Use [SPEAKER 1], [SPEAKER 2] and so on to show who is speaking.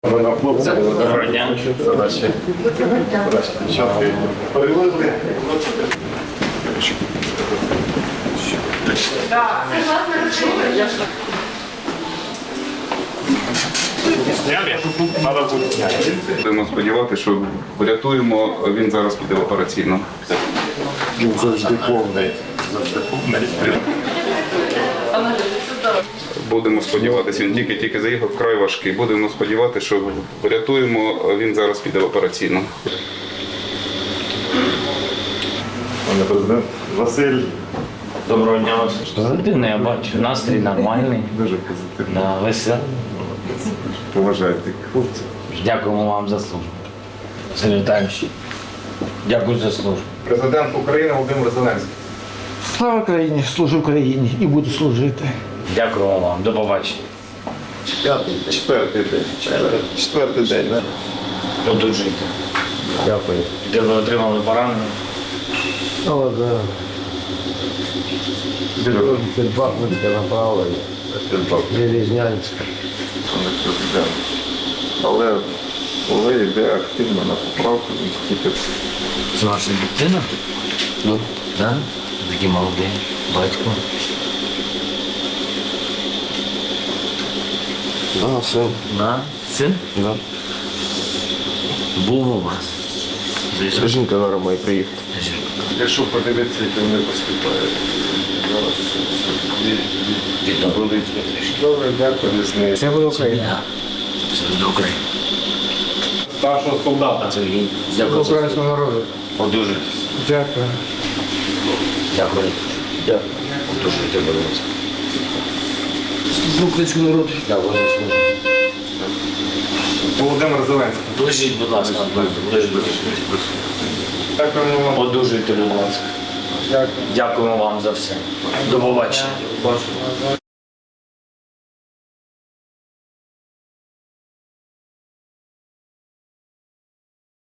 [SPEAKER 1] Доброго дня.
[SPEAKER 2] Задачі. Перевезли.
[SPEAKER 3] Будемо сподіватися, що врятуємо, він зараз піде в операційну.
[SPEAKER 2] Він завжди повний.
[SPEAKER 3] Будемо сподіватися, він тільки заїхав, вкрай важкий. Будемо сподіватися, що врятуємо, він зараз піде в операційну.
[SPEAKER 2] Пане президент Василь.
[SPEAKER 1] Доброго дня. Позитивно, я бачу. Настрій нормальний.
[SPEAKER 2] Дуже позитивно.
[SPEAKER 1] Да, веселий.
[SPEAKER 2] Поважайте хлопців.
[SPEAKER 1] Дякуємо вам за службу. Сергій Віталійович, дякую за службу.
[SPEAKER 4] Президент України Володимир Зеленський.
[SPEAKER 5] Слава Україні, служу Україні і буду служити.
[SPEAKER 1] Дякуємо вам. До побачення.
[SPEAKER 2] Четвертий день. Четвертий день, так?
[SPEAKER 1] Одужуйте. Дякую. Де ви отримали поранення?
[SPEAKER 6] О, да. Під Бахмутське направлення, Железнянське.
[SPEAKER 2] Пане президент. Але коли йде активно на поправку, він тільки
[SPEAKER 1] Це ваша дитина? Ну. Да? Такий молодий. Батько.
[SPEAKER 6] А, син.
[SPEAKER 1] Да? Син?
[SPEAKER 6] Да.
[SPEAKER 1] Був у вас. Заїжджав.
[SPEAKER 6] Жінка зараз має приїхати.
[SPEAKER 2] якщо подивитися, як вони поступають. Зараз
[SPEAKER 1] Відомо.
[SPEAKER 2] добре, дякую.
[SPEAKER 6] Це буде Україна.
[SPEAKER 1] Я. Це до України.
[SPEAKER 4] Старшого солдата.
[SPEAKER 1] Сергій, дякую за службу.
[SPEAKER 6] Українського народу.
[SPEAKER 1] Одужуйтесь.
[SPEAKER 6] Дякую.
[SPEAKER 1] Дякую. Дякую. Одужуйте, будь ласка.
[SPEAKER 6] Служу українського народу.
[SPEAKER 1] Дякую за службу.
[SPEAKER 4] Володимир Зеленський.
[SPEAKER 1] Лежіть, будь ласка. Лежіть.
[SPEAKER 4] Дякуємо вам.
[SPEAKER 1] Одужуйте, будь ласка.
[SPEAKER 4] Дякую.
[SPEAKER 1] Дякуємо вам за все. До побачення.